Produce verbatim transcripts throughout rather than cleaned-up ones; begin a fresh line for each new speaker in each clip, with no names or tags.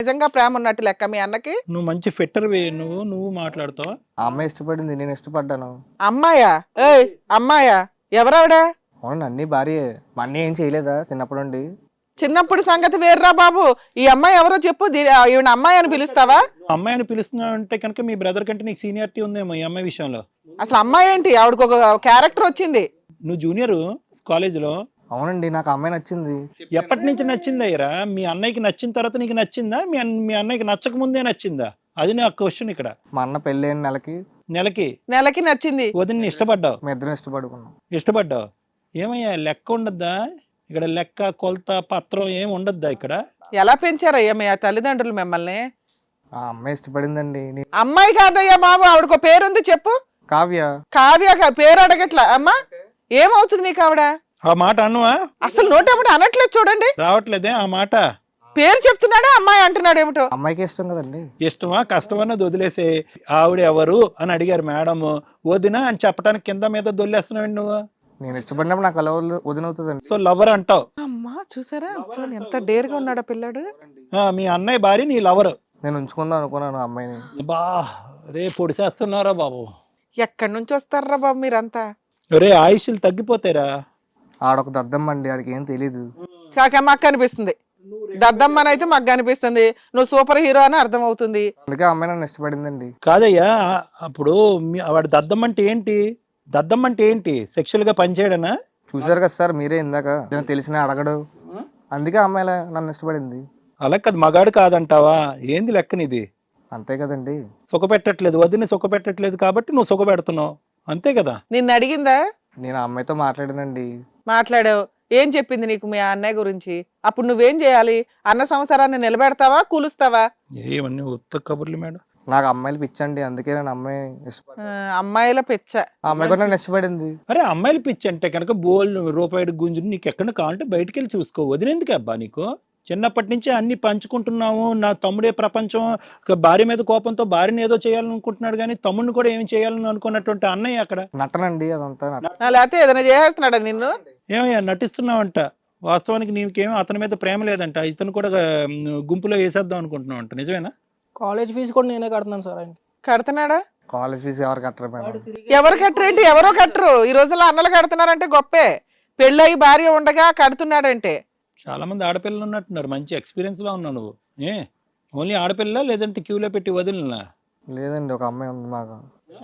నిజంగా ప్రేమ ఉన్నట్టు లెక్క మీ అన్నకి?
నువ్వు మంచి ఫిట్టర్ వే నువ్వు నువ్వు మాట్లాడుతావు.
ఆ అమ్మాయి ఇష్టపడింది, నేను ఇష్టపడ్డాను.
అమ్మాయా? ఏయ్ అమ్మాయా? ఎవరావిడ?
అవును అన్ని భార్యే. మా అన్నయ్య ఏం చేయలేదా చిన్నప్పటి నుండి?
చిన్నప్పుడు సంగతి వేర్రా బాబు. ఈ అమ్మాయి ఎవరో చెప్పు. దీ- ఈవిడ అమ్మాయి అని పిలుస్తావా?
అమ్మాయి అని పిలుస్తున్నావు అంటే కనుక మీ బ్రదర్ కంటే నీకు సీనియారిటీ ఉందేమో ఈ అమ్మాయి విషయంలో.
అసలు అమ్మాయి ఏంటి? ఆవిడకి ఒక క్యారెక్టర్ వచ్చింది.
నువ్వు జూనియర్ కాలేజీలో.
అవునండి, నాకు ఆ అమ్మాయి నచ్చింది.
ఎప్పటి నుంచి నచ్చింది అయ్యరా? మీ అన్నయ్యకి నచ్చిన తర్వాత నీకు నచ్చిందా? మీ అన్న మీ అన్నయ్యకి నచ్చక ముందే నచ్చిందా? అది నా క్వశ్చన్ ఇక్కడ.
మా అన్న పెళ్ళైన నెలకి
నెలకి
నెలకి నచ్చింది.
వదిన ఇష్టపడ్డావు.
మీ ఇద్దరం ఇష్టపడుకున్నాం.
ఇష్టపడ్డావు ఏమయ్యా? లెక్క ఉండద్దా ఇక్కడ? లెక్క కొలత పత్రం ఏం ఉండద్దా ఇక్కడ?
ఎలా పెంచారయ్యా మీ తల్లిదండ్రులు మిమ్మల్ని?
ఆ అమ్మాయి ఇష్టపడిందండి. నీ-
అమ్మాయి కాదయ్యా బాబు, ఆవిడకు పేరుంది చెప్పు.
కావ్య.
కావ్య కా- పేరు అడగట్లా. అమ్మా ఏమవుతుంది నీకు ఆవిడ?
ఆ మాట అన్నవా?
అసలు నోటేమిటి అనట్లేదు చూడండి.
రావట్లేదే ఆ మాట.
పేరు చెప్తున్నాడా అమ్మాయి అంటున్నాడు ఏమిటో?
అమ్మాయికి ఇష్టం కదండి.
ఇష్టమా కష్టమన్నది వదిలేసే. ఆవిడ ఎవరు అని అడిగారు మేడం. వదిన అని చెప్పడానికి కింద మీద దొల్లేస్తున్నావు నువ్వు.
నేను ఇష్టపడినప్పుడు నాకు అలా వదినవుతుందండి.
సో లవర్ అంటావు.
అమ్మా చూసారా చూడండి ఎంత డేర్గా ఉన్నాడా పిల్లాడు.
ఆ, మీ అన్నయ్య భార్య నీ లవర్.
నేను ఉంచుకుందాం అనుకున్నాను ఆ అమ్మాయిని.
బా రే పొడిసేస్తున్నారా బాబు.
ఎక్కడి నుంచి వస్తారా బాబు మీరంతా?
రే ఆయుష్లు తగ్గిపోతారా?
ఆడొక దద్దమ్మ అండి, ఆడికి ఏం తెలీదు.
కాక మాకు అనిపిస్తుంది దద్దమ్మని అయితే మాకు అనిపిస్తుంది. నువ్వు సూపర్ హీరో అని అర్థం అవుతుంది.
అందుకే ఆ అమ్మాయి నన్ను ఇష్టపడిందండి.
కాదయ్యా, అప్పుడు మీ వాడు దద్దమ్మ అంటే ఏంటి? దద్దమ్మ అంటే ఏంటి? సెక్షువల్ గా పనిచేయడనా?
చూసారు కదా సార్ మీరే ఇందాక. తెలిసిన అడగడు, అందుకే ఆ అమ్మాయి అలా నన్ను ఇష్టపడింది.
అలా కాదు, మగాడు కాదంటావా? ఏంది లెక్కనిది?
అంతే కదండి.
సుఖ పెట్టట్లేదు, వదిన సుఖ పెట్టట్లేదు కాబట్టి నువ్వు సుఖ పెడుతున్నావు, అంతే కదా?
నిన్ను అడిగిందా?
నేను ఆ అమ్మాయితో మాట్లాడానండి.
మాట్లాడావు. ఏం చెప్పింది నీకు మీ అన్నయ్య గురించి? అప్పుడు నువ్వేం చేయాలి? అన్న సంసారాన్ని నిలబెడతావా కూలుస్తావా?
ఏమన్నీ ఉత్త కబుర్లు మేడం.
నాకు అమ్మాయిలు పిచ్చండి, అందుకే నేను అమ్మాయి ఇష్టపడి
ఆ, అమ్మాయిల పిచ్చ.
ఆ అమ్మాయి కూడా నన్ను ఇష్టపడింది.
అరే అమ్మాయిలు పిచ్చి అంటే కనుక బోల్ రూపాయి గుంజుని నీకు ఎక్కడ కావాలంటే బయటికి వెళ్ళి చూసుకో. వదిలేందుకు అబ్బా నీకు? చిన్నప్పటి నుంచి అన్ని పంచుకుంటున్నాము. నా తమ్ముడే ప్రపంచం. భార్య మీద కోపంతో భార్యని ఏదో చేయాలనుకుంటున్నాడు కానీ తమ్ముడిని కూడా ఏమి చేయాలని అనుకున్నటువంటి అన్నయ్య అక్కడ.
నటనండి అదంతా. నటన.
ఆ, లేకపోతే ఏదైనా చేసేస్తున్నాడా నిన్ను?
ఏమయ్యా నటిస్తున్నావంట? వాస్తవానికి నీకేమో అతని మీద ప్రేమ లేదంట. ఇతను కూడా ఉమ్, గుంపులో వేసేద్దాం అనుకుంటున్నావు అంట. నిజమేనా?
కాలేజ్ ఫీజు కూడా నేనే కడుతున్నాను సార్ ఆయనకి.
కడుతున్నాడా?
కాలేజ్ ఫీజు ఎవరు కట్టరు మేడం.
ఎవరు కట్టరేంటి? ఎవరో కట్టరు. ఈ రోజుల్లో అన్నలు కడుతున్నారంటే గొప్పే. పెళ్ళయి భార్య ఉండగా కడుతున్నాడంటే.
చాలా మంది ఆడపిల్లలు ఉన్నట్టున్నారు. మంచి ఎక్స్పీరియన్స్ లో ఉన్నావు నువ్వు. ఏ ఓన్లీ ఆడపిల్ల లేదంటే క్యూలో పెట్టి వదిలినా?
లేదండి, ఒక అమ్మాయి ఉంది మాకు.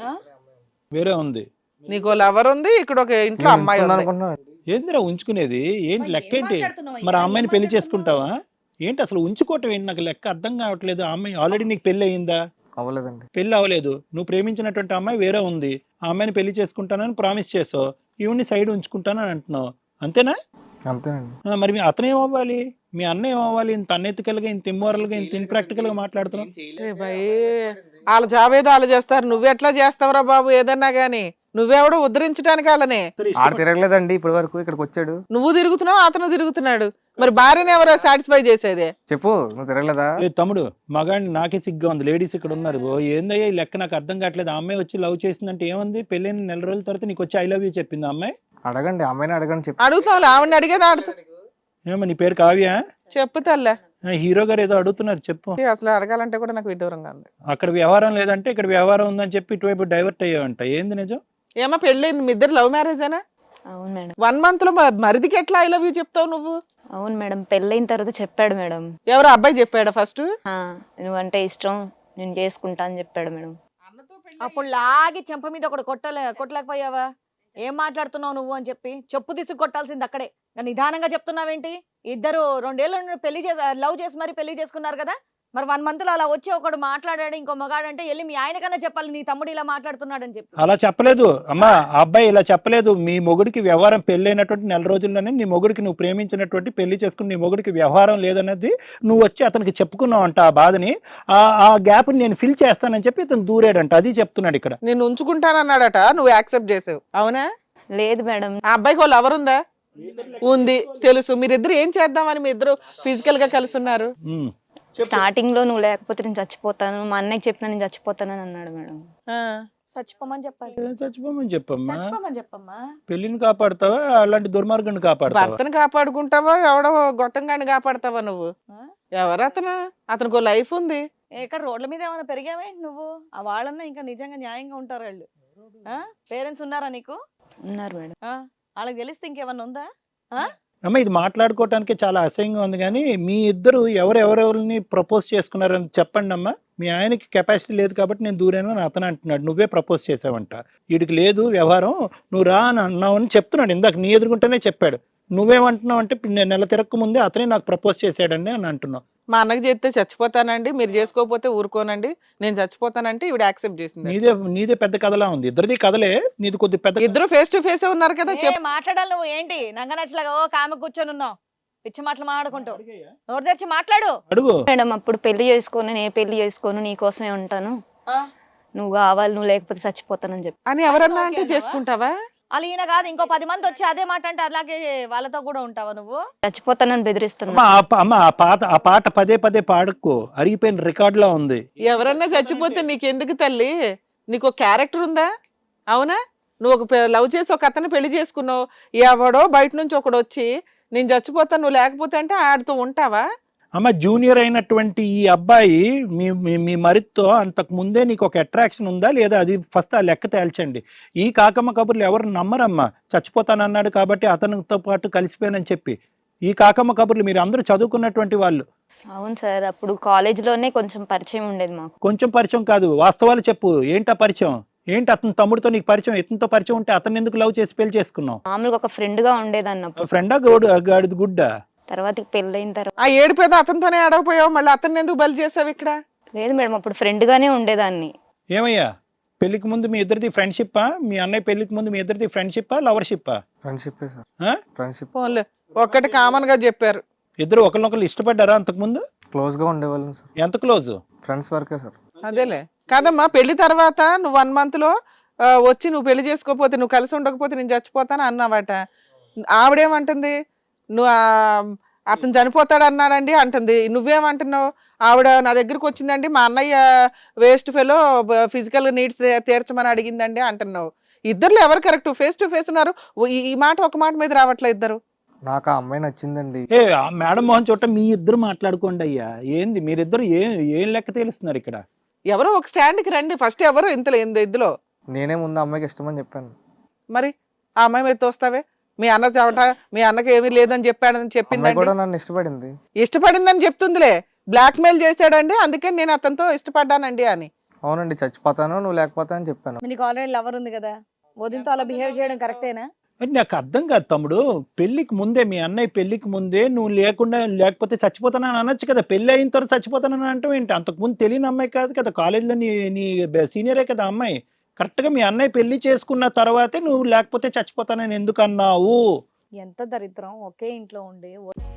వేరే ఉంది.
నీకు లవర్ ఉంది, ఇక్కడ ఒక ఇంట్లో
నేను
అమ్మాయి
ఉంచుకుందాం
ఉంది.
అనుకుంటున్నాను.
ఏందిరా ఉంచుకునేది? ఏంటి లెక్క ఏంటి? మరి ఆ అమ్మాయిని పెళ్లి చేసుకుంటావా ఏంటి? అసలు ఉంచుకోవటం ఏంటి? నాకు లెక్క అర్థం కావట్లేదు. ఆ అమ్మాయి ఆల్రెడీ నీకు పెళ్లి అయ్యిందా?
అవ్వలేదండి.
పెళ్లి అవ్వలేదు. నువ్వు ప్రేమించినటువంటి అమ్మాయి వేరే ఉంది. ఆ అమ్మాయిని పెళ్లి చేసుకుంటానని ప్రామిస్ చేసావు. ఈవిని సైడ్ ఉంచుకుంటానని అంటున్నావు, అంతేనా?
అంతేనండి.
ఆ, మరి మీ అతను ఏమవ్వాలి? మీ అన్న ఏమవ్వాలి? ఇంత అన్ఎథికల్ గా, ఇంత ఇమ్మోరల్ గా, ఇంత ఇన్ప్రాక్టికల్ గా మాట్లాడుతున్నావు.
ఏ భయ్, వాళ్ళ జాబ్ ఏదో వాళ్ళు చేస్తారు. నువ్వెట్లా చేస్తావురా బాబు ఏదన్నా గానీ? నువ్వెవడో ఉద్ధరించడానికి వాళ్ళని.
ఆడ తిరగలేదండి ఇప్పటి వరకు. ఇక్కడికి వచ్చాడు.
నువ్వు తిరుగుతున్నావు, అతను తిరుగుతున్నాడు. మరి భార్యని ఎవరో సాటిస్ఫై చేసేదే?
చెప్పు, నువ్వు తిరగలేదా?
ఏ తమ్ముడు, మగాడిని నాకే సిగ్గా ఉంది. లేడీస్ ఇక్కడ ఉన్నారు. ఓ ఏందయ్యా ఈ లెక్క? నాకు అర్థం కావట్లేదు. ఆ అమ్మాయి వచ్చి లవ్ చేసిందంటే ఏముంది? పెళ్ళైన నెల రోజుల తర్వాత నీకు వచ్చి ఐ లవ్ యూ చెప్పింది ఆ అమ్మాయి.
అడగండి, అమ్మాయిని అడగండి. చెప్పు.
అడుగుతావు, ఆవిడని అడిగేది ఆడుతూ.
ఏమో నీ పేరు కావ్య?
చెప్పు తల్లే.
హీరో గారు ఏదో అడుగుతున్నారు, చెప్పు.
అసలు అడగాలంటే కూడా నాకు విడ్డూరంగా ఉంది.
అక్కడ వ్యవహారం లేదంటే ఇక్కడ వ్యవహారం ఉందని చెప్పి ఇటువైపు డైవర్ట్ అయ్యావంట. ఏంది నిజం?
ఏమో పెళ్ళి మీ ఇద్దరు లవ్ మ్యారేజేనా?
అవును మేడం.
వన్ మంత్ లో మరిదికి ఎట్లా ఐ లవ్ యూ చెప్తావు నువ్వు?
అవును మేడం, పెళ్ళైన తర్వాత చెప్పాడు మేడం.
ఎవరు అబ్బాయి చెప్పాడా ఫస్ట్?
నువ్వంటే ఇష్టం, నేను చేసుకుంటా అని చెప్పాడు మేడం.
అప్పుడు లాగి చెంప మీద ఒకటి కొట్టలే కొట్టలేకపోయావా? ఏం మాట్లాడుతున్నావు నువ్వు అని చెప్పి చెప్పు తీసుకు కొట్టాల్సింది అక్కడే. నిదానంగా చెప్తున్నావేంటి? ఇద్దరు రెండేళ్ళు పెళ్లి చేసి లవ్ చేసి మరి పెళ్లి చేసుకున్నారు కదా. మరి వన్ మంత్ లో అలా వచ్చి ఒకడు మాట్లాడాడు ఇంకో మగాడంటే వెళ్ళి మీ ఆయన కన్నా చెప్పాలి నీ తమ్ముడు ఇలా మాట్లాడుతున్నాడు అని చెప్పి.
అలా చెప్పలేదు అమ్మా. ఆ అబ్బాయి ఇలా చెప్పలేదు. మీ మొగుడికి వ్యవహారం పెళ్ళైనటువంటి నెల రోజుల్లోనే నీ మొగుడికి నువ్వు ప్రేమించినటువంటి పెళ్లి చేసుకుని నీ మొగుడికి వ్యవహారం లేదన్నది నువ్వు వచ్చి అతనికి చెప్పుకున్నావు అంట. ఆ బాధని, ఆ గ్యాప్ నేను ఫిల్ చేస్తానని చెప్పి ఇతను దూరాడంట. అది చెప్తున్నాడు ఇక్కడ.
నేను ఉంచుకుంటానన్నాడట, నువ్వు యాక్సెప్ట్ చేసావు. అవునా?
లేదు మేడం.
ఆ అబ్బాయికి వాళ్ళు ఎవరుందా? ఉంది, తెలుసు. మీరిద్దరు ఏం చేద్దామని మీ ఇద్దరు ఫిజికల్ గా కలిసి ఉన్నారు?
స్టార్టింగ్ లో నువ్వు లేకపోతే నేను చచ్చిపోతాను, మా అన్నయ్య చెప్పిన నేను చచ్చిపోతానని అన్నాడు మేడం.
చచ్చిపోమని చెప్పాలి.
ఏ, చచ్చిపోమని చెప్పమ్మా.
చచ్చిపోమని చెప్పమ్మా.
పెళ్లిని కాపాడుతావా అలాంటి దుర్మార్గాన్ని కాపాడుతావా?
భర్తను కాపాడుకుంటావా ఎవడో గొట్టంగాని కాపాడతావా నువ్వు?
ఆ?
ఎవరు అతను? అతనికి లైఫ్ ఉంది.
ఇక్కడ రోడ్ల మీద ఏమైనా పెరిగావేంటి నువ్వు? ఆ వాళ్ళన్నా ఇంకా నిజంగా న్యాయంగా ఉంటారు వాళ్ళు. పేరెంట్స్ ఉన్నారా నీకు?
ఉన్నారు మేడం.
ఆ? వాళ్ళకి తెలిస్తే ఇంకేమన్నా ఉందా? ఆ?
అమ్మ ఇది మాట్లాడుకోవటానికి చాలా అసహ్యంగా ఉంది, కానీ మీ ఇద్దరు ఎవరెవరెవరిని ప్రపోజ్ చేసుకున్నారని చెప్పండి అమ్మా. మీ ఆయనకి కెపాసిటీ లేదు కాబట్టి నేను దూరాను అని అతను అంటున్నాడు, నువ్వే ప్రపోజ్ చేసావంట. వీడికి లేదు వ్యవహారం, నువ్వు రా అని అన్నావు అని చెప్తున్నాడు. ఇందాక నీ ఎదుర్కొంటేనే చెప్పాడు. నువ్వేమంటున్నావు అంటే నేను నెల తిరక్క ముందే అతనే నాకు ప్రపోజ్ చేశాడండి అని అంటున్నావు.
మా అన్నకి చెప్తే చచ్చిపోతానండి, మీరు చేసుకోకపోతే ఊరుకోనండి, నేను చచ్చిపోతానంటే ఈవిడ యాక్సెప్ట్ చేసింది.
నీదే నీదే పెద్ద కథలా ఉంది. ఇద్దరిది కథలే, నీది కొద్ది పెద్ద.
ఇద్దరు ఫేస్ టు ఫేస్ ఉన్నారు కదా.
ఏ, మాట్లాడాలి నువ్వు ఏంటి నంగ నచ్చలాగా ఓ కామె కూర్చొని ఉన్నావు పిచ్చి మాటలు మాట్లాడుకుంటూ. నోరు తెరిచి మాట్లాడు.
అడుగు.
మేడం అప్పుడు పెళ్లి చేసుకోను, నేను పెళ్లి చేసుకోను, నీ కోసమే ఉంటాను,
ఆ?
నువ్వు కావాలి, నువ్వు లేకపోతే చచ్చిపోతానని చెప్పి.
అని ఎవరన్నా
ఓకే
అంటే
అన్నావా?
చేసుకుంటావా?
అలా ఈయన కాదు ఇంకో పది మంది వచ్చి అదే మాట అంటే అలాగే వాళ్ళతో కూడా ఉంటావా నువ్వు?
చచ్చిపోతానని బెదిరిస్తున్నా.
అమ్మ ఆ ప- అమ్మ ఆ పాత ఆ పాట పదే పదే పాడుకో, అరిగిపోయిన రికార్డ్ లా ఉంది.
ఎవరన్నా చచ్చిపోతే నీకెందుకు తల్లి? నీకు ఒక క్యారెక్టర్ ఉందా? అవునా? నువ్వు ఒక లవ్ చేసి ఒక అతను పెళ్లి చేసుకున్నావు, ఎవడో బయట నుంచి ఒకడు వచ్చి నేను చచ్చిపోతాను నువ్వు లేకపోతే అంటే ఆడితో ఉంటావా?
అమ్మ జూనియర్ అయినటువంటి ఈ అబ్బాయి మీ మీ- మీ మరితో అంతకు ముందే నీకు ఒక అట్రాక్షన్ ఉందా లేదా? అది ఫస్ట్ ఆ లెక్క తేల్చండి. ఈ కాకమ్మ కబుర్లు ఎవరు నమ్మరమ్మా. చచ్చిపోతానన్నాడు కాబట్టి అతనితో పాటు కలిసిపోయానని చెప్పి. ఈ కాకమ్మ కబుర్లు మీరు అందరూ చదువుకున్నటువంటి వాళ్ళు.
అవును సార్, అప్పుడు కాలేజ్ లోనే కొంచెం పరిచయం ఉండేది మాకు.
కొంచెం పరిచయం కాదు, వాస్తవాలు చెప్పు. ఏంటా పరిచయం? ఏంటి అతని తమ్ముడితో నీకు పరిచయం? ఇతనితో పరిచయం ఉంటే అతన్ని ఎందుకు లవ్ చేసి పెళ్లి చేసుకున్నావు?
మామూలుగా ఒక ఫ్రెండ్ గా ఉండేది అన్నప్పుడు.
ఫ్రెండా గోడు గాడిది గుడ్డా?
తర్వాత పెళ్ళైన తర్వాత
ఆ ఏడిపోయేది అతనితోనే అడగపోయావు, మళ్ళీ అతన్ని ఎందుకు బలి చేసావు ఇక్కడ?
లేదు మేడం, అప్పుడు ఫ్రెండ్ గానే ఉండేదాన్ని.
ఏమయ్యా పెళ్లికి ముందు మీ ఇద్దరిది ఫ్రెండ్షిప్పా? మీ అన్నయ్య పెళ్లికి ముందు మీ ఇద్దరిది ఫ్రెండ్షిప్పా లవర్షిప్పా?
ఫ్రెండ్షిప్ సార్,
ఆ?
ఫ్రెండ్షిప్.
ఫోన్లే ఒక్కటి కామన్ గా చెప్పారు.
ఇద్దరు ఒకరినొకరు ఇష్టపడ్డారా అంతకుముందు?
క్లోజ్ గా ఉండేవాళ్ళం సార్,
ఎంత క్లోజ్?
ఫ్రెండ్స్ వరకే సార్.
అదేలే కాదమ్మా, పెళ్లి తర్వాత నువ్వు వన్ మంత్ లో ఆ, వచ్చి నువ్వు పెళ్లి చేసుకోకపోతే నువ్వు కలిసి ఉండకపోతే నేను చచ్చిపోతాను అన్నావట. ఆవిడేమంటుంది? నువ్వు ఆ, అతను చనిపోతాడు అన్నాడండి అంటుంది. నువ్వేమంటున్నావు? ఆవిడ నా దగ్గరకు వచ్చిందండి, మా అన్నయ్య వేస్ట్ ఫెలో ఫిజికల్ నీడ్స్ తీర్చమని అడిగిందండి అంటున్నావు. ఇద్దరు ఎవరు కరెక్ట్? ఫేస్ టు ఫేస్ ఉన్నారు. ఈ- ఈ మాట ఒక మాట మీద రావట్లే ఇద్దరు.
నాకు ఆ అమ్మాయి నచ్చిందండి.
ఏ ఆ మేడం మోహన్ చోట మీ ఇద్దరు మాట్లాడుకోండి అయ్యా. ఏంది మీరిద్దరు ఏం ఏం లెక్క తేలుస్తున్నారు ఇక్కడ?
ఎవరో ఒక స్టాండ్కి రండి ఫస్ట్. ఎవరు ఇంతలో ఇందులో
నేనే ముందు అమ్మాయికి ఇష్టమని చెప్పాను.
మరి ఆ అమ్మాయి మీద తోస్తావే? మీ అన్న చవట మీ అన్నకి ఏమీ లేదని చెప్పాడని
అమ్మాయి
చెప్పిందండి.
కూడా నన్ను ఇష్టపడింది.
ఇష్టపడిందని చెప్తుందిలే. బ్లాక్ మెయిల్ చేశాడండి, అందుకని నేను అతనితో ఇష్టపడ్డానండి అని.
అవునండి, చచ్చిపోతాను నువ్వు లేకపోతా అని చెప్పాను.
నీకు ఆల్రెడీ లవర్ ఉంది కదా, వదినతో అలా బిహేవ్ చేయడం కరెక్టేనా?
అది నాకు అర్థం కాదు తమ్ముడు. పెళ్లికి ముందే మీ అన్నయ్య పెళ్లికి ముందే నువ్వు లేకుండా లేకపోతే చచ్చిపోతానని అనొచ్చు కదా. పెళ్లి అయిన తర్వాత చచ్చిపోతానని అంటావు ఏంటి? అంతకుముందు తెలియని అమ్మాయి కాదు కదా, కాలేజీలో నీ నీ సీనియరే కదా అమ్మాయి. కరెక్ట్గా మీ అన్నయ్య పెళ్లి చేసుకున్న తర్వాతే నువ్వు లేకపోతే చచ్చిపోతానని ఎందుకు అన్నావు?
ఎంత దరిద్రం, ఒకే ఇంట్లో ఉండి